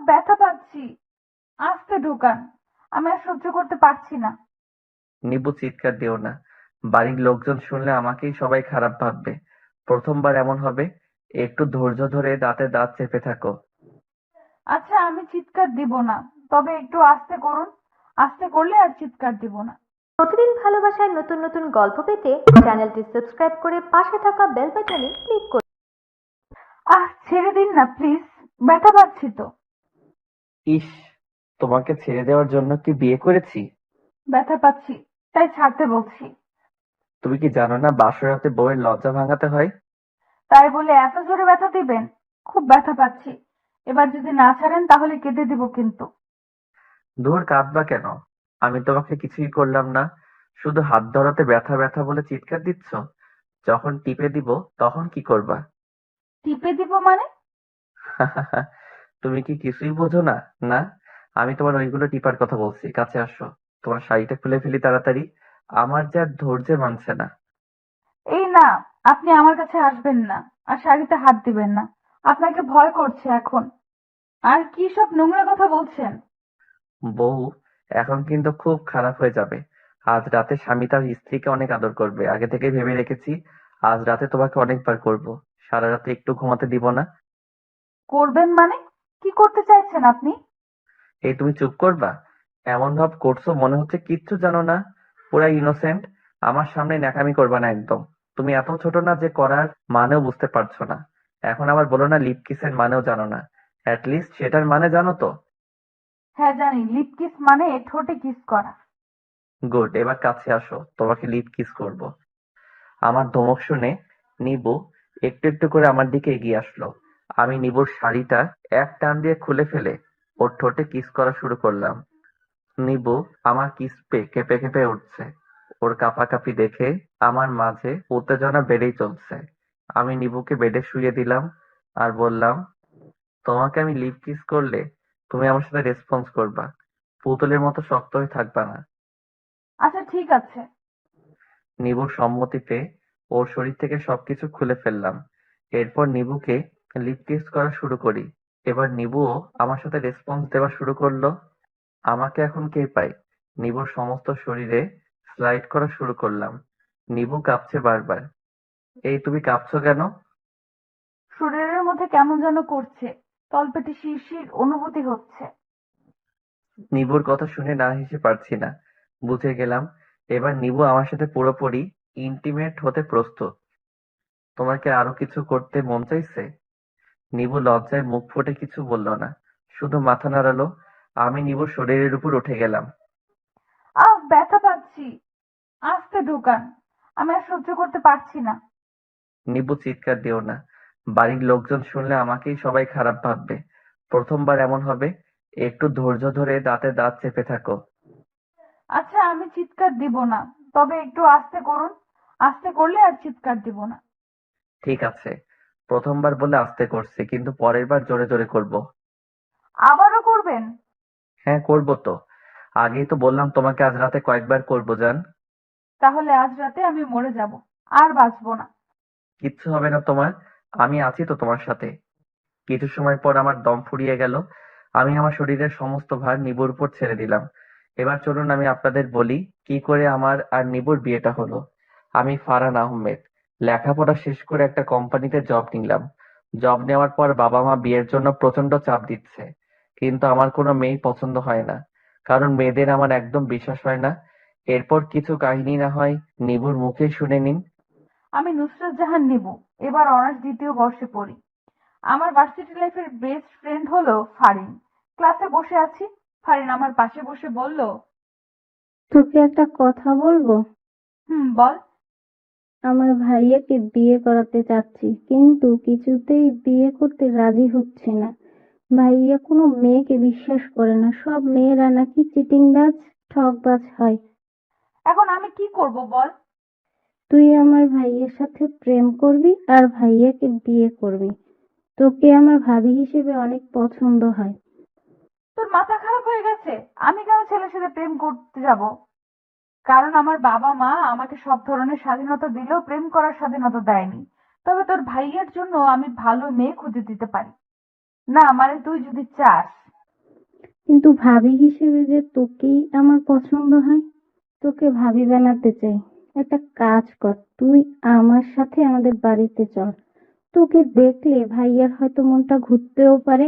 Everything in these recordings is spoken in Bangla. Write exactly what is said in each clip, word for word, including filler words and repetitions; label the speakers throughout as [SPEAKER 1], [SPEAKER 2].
[SPEAKER 1] ব্যথা পাচ্ছি। আস্তে ঢোকান, আমি আর সহ্য করতে পারছি না।
[SPEAKER 2] নিবু, চিৎকার দিও না। বাড়ির লোকজন শুনলে আমাকেই সবাই খারাপ ভাববে। প্রথমবার এমন হবে। একটু ধৈর্য ধরে দাঁতে দাঁত চেপে থাকো।
[SPEAKER 1] আচ্ছা, আমি চিৎকার দিব না, তবে একটু আস্তে করুন। আস্তে করলে আর চিৎকার দিব না।
[SPEAKER 3] প্রতিদিন ভালোবাসায় নতুন নতুন গল্প পেতে চ্যানেলটি সাবস্ক্রাইব করে পাশে থাকা বেল বাটনে ক্লিক করুন।
[SPEAKER 1] আহ, ছেড়ে দিন না প্লিজ, ব্যথা পাচ্ছি তো।
[SPEAKER 2] ইস, তোমাকে ছেড়ে দেওয়ার জন্য কি বিয়ে করেছি?
[SPEAKER 1] ব্যথা পাচ্ছি, তাই ছাড়তে বলছি।
[SPEAKER 2] তুমি কি জানো না বাসরাতে বউয়ের লজ্জা ভাঙাতে হয়?
[SPEAKER 1] তাই বলে এত জোরে ব্যথা দিবেন? খুব ব্যথা পাচ্ছি। এবার যদি না ছাড়েন তাহলে কেটে দিব কিন্তু।
[SPEAKER 2] ধুর, কাঁদবা কেন? আমি তোমাকে কিছুই করলাম না। শুধু হাত ধরাতে ব্যথা ব্যথা বলে চিৎকার দিচ্ছ। যখন টিপে দিব তখন কি করবা?
[SPEAKER 1] টিপে দিব মানে?
[SPEAKER 2] তুমি কি কিছুই বোঝো না? না, আমি তোমার ওইগুলো টিপার কথা বলছি। কাছে আসো। তোমার শাড়িটা খুলে ফেলি তাড়াতাড়ি। আমার যে আর ধৈর্যে মানছে না।
[SPEAKER 1] এই না, আপনি আমার কাছে আসবেন না, আর শাড়িতে হাত দিবেন না। আপনাকে ভয় করছে এখন। আর কি সব নোংরা কথা বলছেন?
[SPEAKER 2] বউ, এখন কিন্তু খুব খারাপ হয়ে যাবে। আজ রাতে স্বামী তার স্ত্রীকে অনেক আদর করবে, আগে থেকেই ভেবে রেখেছি। আজ রাতে তোমাকে অনেকবার করব। সারা রাতে একটু ঘুমাতে দিব না।
[SPEAKER 1] করবেন মানে? কি করতে চাইছেন আপনি?
[SPEAKER 2] এই, তুমি চুপ করবা? এমন ভাব করছো মনে হচ্ছে কিচ্ছু জানো না। পুরা ইনোসেন্ট। আমার সামনে ন্যাকামি করবা না একদম। তুমি এত ছোট না যে করার মানেও বুঝতে পারছো না। এখন আবার বলো না লিপ কিসের মানেও জানো না। অ্যাটলিস্ট সেটার মানে জানো তো?
[SPEAKER 1] হ্যাঁ জানি, লিপ কিস মানে ঠোঁটে কিস করা।
[SPEAKER 2] গুড, এবার কাছে আসো, তোমাকে লিপ কিস করব। আমার ধমক শুনে নিবু একটু একটু করে আমার দিকে এগিয়ে আসলো। আমি নিবুর শাড়িটা এক টান দিয়ে খুলে ফেলে ওর ঠোঁটে কিস করা শুরু করলাম। নিবু আমার কিস পেয়ে কেঁপে কেঁপে উঠছে। ওর কাঁপাকাঁপি দেখে আমার মাঝে উত্তেজনা বেড়েই চলছে। আমি নিবুকে বেডে শুইয়ে দিলাম আর বললাম, তোমাকে আমি লিপ কিস করলে তুমি আমার সাথে রেসপন্স করবা। পুতুলের মতো শক্ত হয়ে থাকবা না।
[SPEAKER 1] আচ্ছা ঠিক আছে।
[SPEAKER 2] নিবুর সম্মতিতে ওর শরীর থেকে সবকিছু খুলে ফেললাম। এরপর নিবুকে লিপ কিস করা শুরু করি। এবার নিবুও আমার সাথে রেসপন্স দেওয়া শুরু করলো। আমাকে এখন কে পায়? নিবুর সমস্ত শরীরে স্লাইড করা শুরু করলাম। নিবু কাঁপছে বারবার। এই, তুমি কাঁপছো কেন?
[SPEAKER 1] শরীরের মধ্যে কেমন যেন করছে, তলপেটে শিরশির অনুভূতি হচ্ছে।
[SPEAKER 2] নিবুর কথা শুনে না হেসে পারছি না। বুঝে গেলাম এবার নিবু আমার সাথে পুরোপুরি ইন্টিমেট হতে প্রস্তুত। তোমার কি আরো কিছু করতে মন চাইছে? নিবু লজ্জায় মুখ ফুটে কিছু বলল না, শুধু মাথা নাড়ালো। আমি নিবুর শরীরের উপর উঠে গেলাম।
[SPEAKER 1] আহ, ব্যথা পাচ্ছি। আস্তে ঢোকান, আমি আর সহ্য করতে পারছি না।
[SPEAKER 2] নিবু, চিৎকার দিও না। বাড়ির লোকজন শুনলে আমাকেই সবাই খারাপ ভাববে। প্রথমবার এমন হবে। একটু ধৈর্য ধরে দাঁতে দাঁত চেপে থাকো।
[SPEAKER 1] আচ্ছা, আমি চিৎকার দিব না, তবে একটু আস্তে করুন। আস্তে করলে আর চিৎকার দিব না।
[SPEAKER 2] ঠিক আছে, প্রথমবার বলে আস্তে করছি, কিন্তু পরের বার জোরে জোরে করব।
[SPEAKER 1] আবারও করবেন?
[SPEAKER 2] হ্যাঁ, করবো তো। আগেই তো বললাম তোমাকে আজ রাতে কয়েকবার করবো জান।
[SPEAKER 1] তাহলে আজ রাতে আমি মরে যাব, আর বাঁচবো না।
[SPEAKER 2] কিচ্ছু হবে না তোমার। আমি আছি তো তোমার সাথে। কিছু সময় পর আমার দম ফুরিয়ে গেল। আমি আমার শরীরের সমস্ত ভার নিবুর উপর ছেড়ে দিলাম। এবার চলুন আমি আপনাদের বলি কি করে আমার আর নিবুর বিয়েটা হলো। আমি ফারহান আহমেদ। লেখাপড়া শেষ করে একটা কোম্পানিতে জব নিলাম। জব নেওয়ার পর বাবা মা বিয়ের জন্য প্রচন্ড চাপ দিচ্ছে। কিন্তু আমার কোনো মেয়েই পছন্দ হয় না। কারণ মেয়েদের আমার একদম বিশ্বাস হয় না। এরপর কিছু কাহিনী না হয় নিবুর মুখেই শুনে নিন।
[SPEAKER 1] আমি নুসরাত জাহান নিবু, এবার অনার্স দ্বিতীয় বর্ষে পড়ি। আমার ভার্সিটি লাইফের বেস্ট ফ্রেন্ড হলো ফারিন। ক্লাসে বসে আছি, ফারিন আমার পাশে বসে বলল,
[SPEAKER 4] তোকে একটা কথা বলবো?
[SPEAKER 1] হুম বল।
[SPEAKER 4] আমার ভাইয়াকে বিয়ে করাতে চাচ্ছি, কিন্তু কিছুতেই বিয়ে করতে রাজি হচ্ছে না। ভাইয়া কোনো মেয়েকে বিশ্বাস করে না, সব মেয়েরা নাকি চিটিংবাজ, ঠকবাজ হয়।
[SPEAKER 1] এখন আমি কি করব বল?
[SPEAKER 4] তুই আমার ভাইয়ের সাথে প্রেম করবি আর ভাইয়াকে বিয়ে করবি। তোকে আমার ভাবি হিসেবে অনেক পছন্দ হয়।
[SPEAKER 1] তোর মাথা খারাপ হয়ে গেছে? আমি কেন ছেলের সাথে প্রেম করতে যাব? কারণ আমার বাবা মা আমাকে সব ধরনের স্বাধীনতা দিলেও প্রেম করার স্বাধীনতা দেয়নি। তবে তোর ভাইয়ের জন্য আমি ভালো মেয়ে খুঁজে দিতে পারি। না মানে তুই যদি চাস।
[SPEAKER 4] কিন্তু ভাবি হিসেবে যে তোকেই আমার পছন্দ হয়, তোকে ভাবি বানাতে চাই। একটা কাজ কর, তুই আমার সাথে আমাদের বাড়িতে চল। তোকে দেখলে ভাইয়ার হয়তো মনটা ঘুরতেও পারে।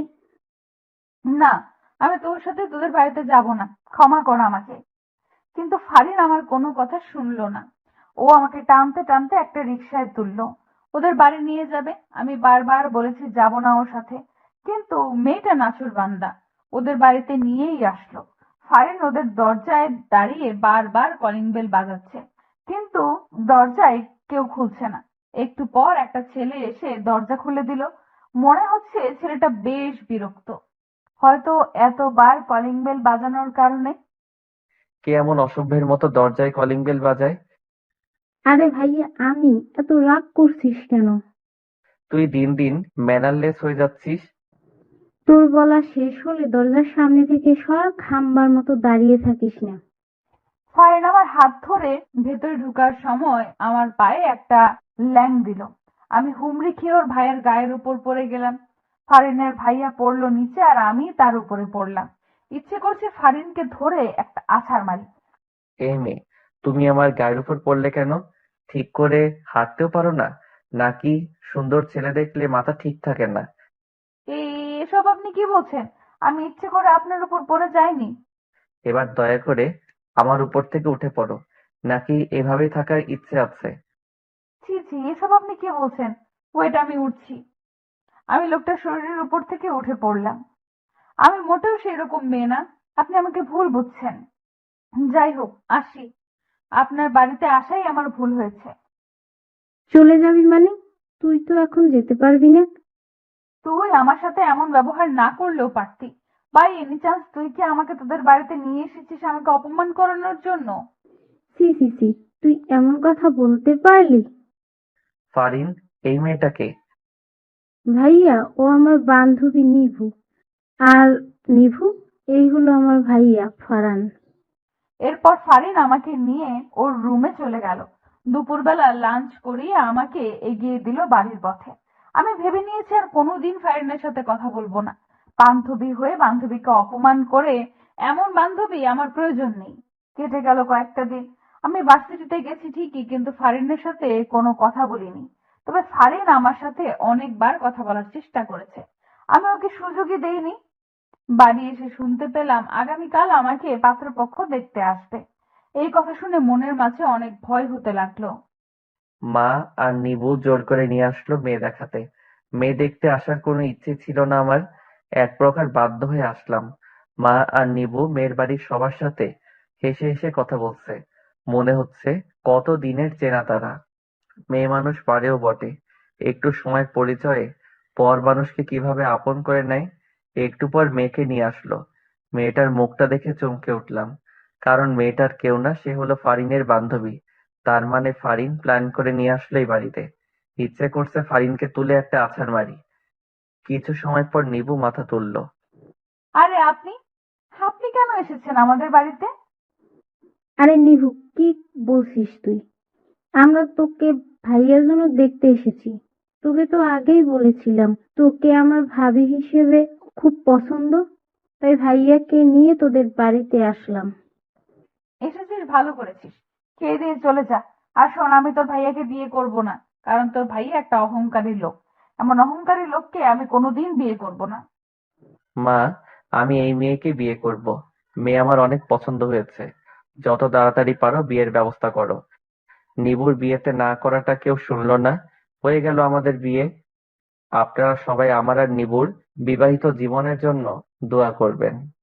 [SPEAKER 1] না, আমি তোর সাথে তোদের বাড়িতে যাব না, ক্ষমা কর আমাকে। কিন্তু ফারিন আমার কোনো কথা শুনলো না। ও আমাকে টানতে টানতে একটা রিকশায় তুললো, ওদের বাড়ি নিয়ে যাবে। আমি বারবার বলেছি যাব না ওর সাথে, কিন্তু মেয়েটা নাছোড়বান্দা ওদের বাড়িতে নিয়েই আসলো। ফারিন ওদের দরজায় দাঁড়িয়ে বারবার কলিং বেল বাজাচ্ছে, কিন্তু দরজায় কেউ খুলছে না। একটু পর একটা ছেলে এসে দরজা খুলে দিল। মনে হচ্ছে ছেলেটা বেশ বিরক্ত, হয়তো এতবার কলিং বেল বাজানোর কারণে।
[SPEAKER 2] কে এমন অসভ্যের মতো দরজায় কলিং বেল বাজায়?
[SPEAKER 4] আরে ভাইয়া আমি, এত রাগ করছিস কেন?
[SPEAKER 2] তুই দিন দিন ম্যানারলেস হয়ে যাচ্ছিস।
[SPEAKER 4] তোর বলা শেষ হলে দরজার সামনে থেকে সর, খাম্বার মতো দাঁড়িয়ে থাকিস না।
[SPEAKER 1] ফারিন আমার হাত ধরে ভেতরে ঢোকার সময় আমার পায়ে একটা ল্যাং দিল। আমি হুমড়ি খেয়ে ওর ভাইয়ের গায়ের উপর পড়ে গেলাম। ফারিনের ভাইয়া পড়লো নিচে আর আমি তার উপরে পড়লাম। ইচ্ছে করছে ফারিনকে ধরে একটা আছাড় মারি।
[SPEAKER 2] এই মেয়ে, তুমি আমার গায়ের উপর পড়লে কেন? ঠিক করে হাঁটতেও পারো না নাকি? সুন্দর ছেলে দেখলে মাথা ঠিক থাকে না?
[SPEAKER 1] এই এসব আপনি কি বলছেন? আমি ইচ্ছে করে আপনার উপর পড়ে যাইনি।
[SPEAKER 2] এবার দয়া করে আমার উপর থেকে উঠে পড়ো, নাকি এভাবেই থাকার ইচ্ছে আছে?
[SPEAKER 1] ছি ছি, এসব আপনি কি বলছেন? ওয়েট, আমি উঠছি। আমি লোকটার শরীরের উপর থেকে উঠে পড়লাম। আমি মোটেও সেরকম মেয়ে না, আপনি আমাকে ভুল বুঝছেন। যাই হোক, আসি। আপনার বাড়িতে আসাই আমার ভুল হয়েছে।
[SPEAKER 4] চলে যাবি মানে? তুই তো এখন যেতে পারবি না।
[SPEAKER 1] তুই আমার সাথে এমন ব্যবহার না করলেও পারতি। বাই এনি চান্স তুই কি আমাকে তোদের বাড়িতে নিয়ে এসেছিস আমাকে অপমান করানোর জন্য?
[SPEAKER 4] সি সি সি, তুই এমন কথা বলতে পারলি?
[SPEAKER 2] ফারিন, এই মেয়েটাকে?
[SPEAKER 4] ভাইয়া, ও আমার বান্ধবী নিভু। আর নিভু, এই হলো আমার ভাইয়া ফারান।
[SPEAKER 1] এরপর ফারিন আমাকে নিয়ে ওর রুমে চলে গেল। দুপুরবেলা লাঞ্চ করিয়ে আমাকে এগিয়ে দিল বাড়ির পথে। আমি ভেবে নিয়েছি আর কোনোদিন ফারিনের সাথে কথা বলবো না। বান্ধবী হয়ে বান্ধবীকে অপমান করে এমন বান্ধবী আমার প্রয়োজন নেই। কেটে গেল কয়েকটা দিন। আমি ভার্সিটিতে গেছি ঠিকই, কিন্তু ফারিনের সাথে কোনো কথা বলিনি। তবে ফারিন আমার সাথে অনেকবার কথা বলার চেষ্টা করেছে, আমি ওকে সুযোগই দেইনি। বাড়ি এসে শুনতে পেলাম আগামীকাল আমাকে পাত্রপক্ষ দেখতে আসবে। এই কথা শুনে মনের মাঝে অনেক ভয় হতে লাগলো।
[SPEAKER 2] মা আর নিবু জোর করে নিয়ে আসলো মেয়ে দেখাতে। মেয়ে দেখতে আসার কোনো ইচ্ছে ছিল না আমার, এক প্রকার বাধ্য হয়ে আসলাম। মা আর নিবু মেয়ের বাড়ির সবার সাথে হেসে হেসে কথা বলছে। মনে হচ্ছে কত দিনের চেনা তারা। মেয়ে মানুষ পারেও বটে, একটু সময়ের পরিচয়ে পর মানুষকে কিভাবে আপন করে নেয়। একটু পর মেয়েকে নিয়ে আসলো। মেয়েটার মুখটা দেখে চমকে উঠলাম, কারণ মেয়েটার কেউ না, সে হলো ফারিনের বান্ধবী। তার মানে ফারিন প্ল্যান করে নিয়ে আসলো এই বাড়িতে। ইচ্ছে করছে ফারিনকে তুলে একটা আছাড় মারি। কিছু সময় পর নিবু মাথা তুললো।
[SPEAKER 1] আরে আপনি আপনি কেন এসেছেন আমাদের বাড়িতে?
[SPEAKER 4] আরে নিভু, কি বলছিস তুই? আমরা তোকে ভাইয়ার জন্য দেখতে এসেছি। তোকে তো আগেই বলেছিলাম তোকে আমার ভাবি হিসেবে খুব পছন্দ, তাই ভাইয়াকে নিয়ে তোদের বাড়িতে আসলাম।
[SPEAKER 1] এসেছিস ভালো করেছিস, খেয়ে দিয়ে চলে যা। আর শোন, আমি তোর ভাইয়াকে বিয়ে করব না, কারণ তোর ভাইয়া একটা অহংকারী লোক। এমন অহংকারী লোককে আমি কোনোদিন বিয়ে করব না।
[SPEAKER 2] মা, আমি এই মেয়েকে বিয়ে করব। মেয়ে আমার অনেক পছন্দ হয়েছে। যত তাড়াতাড়ি পারো বিয়ের ব্যবস্থা করো। নিবুর বিয়েতে না করাটা কেউ শুনলো না, হয়ে গেল আমাদের বিয়ে। আপনারা সবাই আমার আর নিবুর বিবাহিত জীবনের জন্য দোয়া করবেন।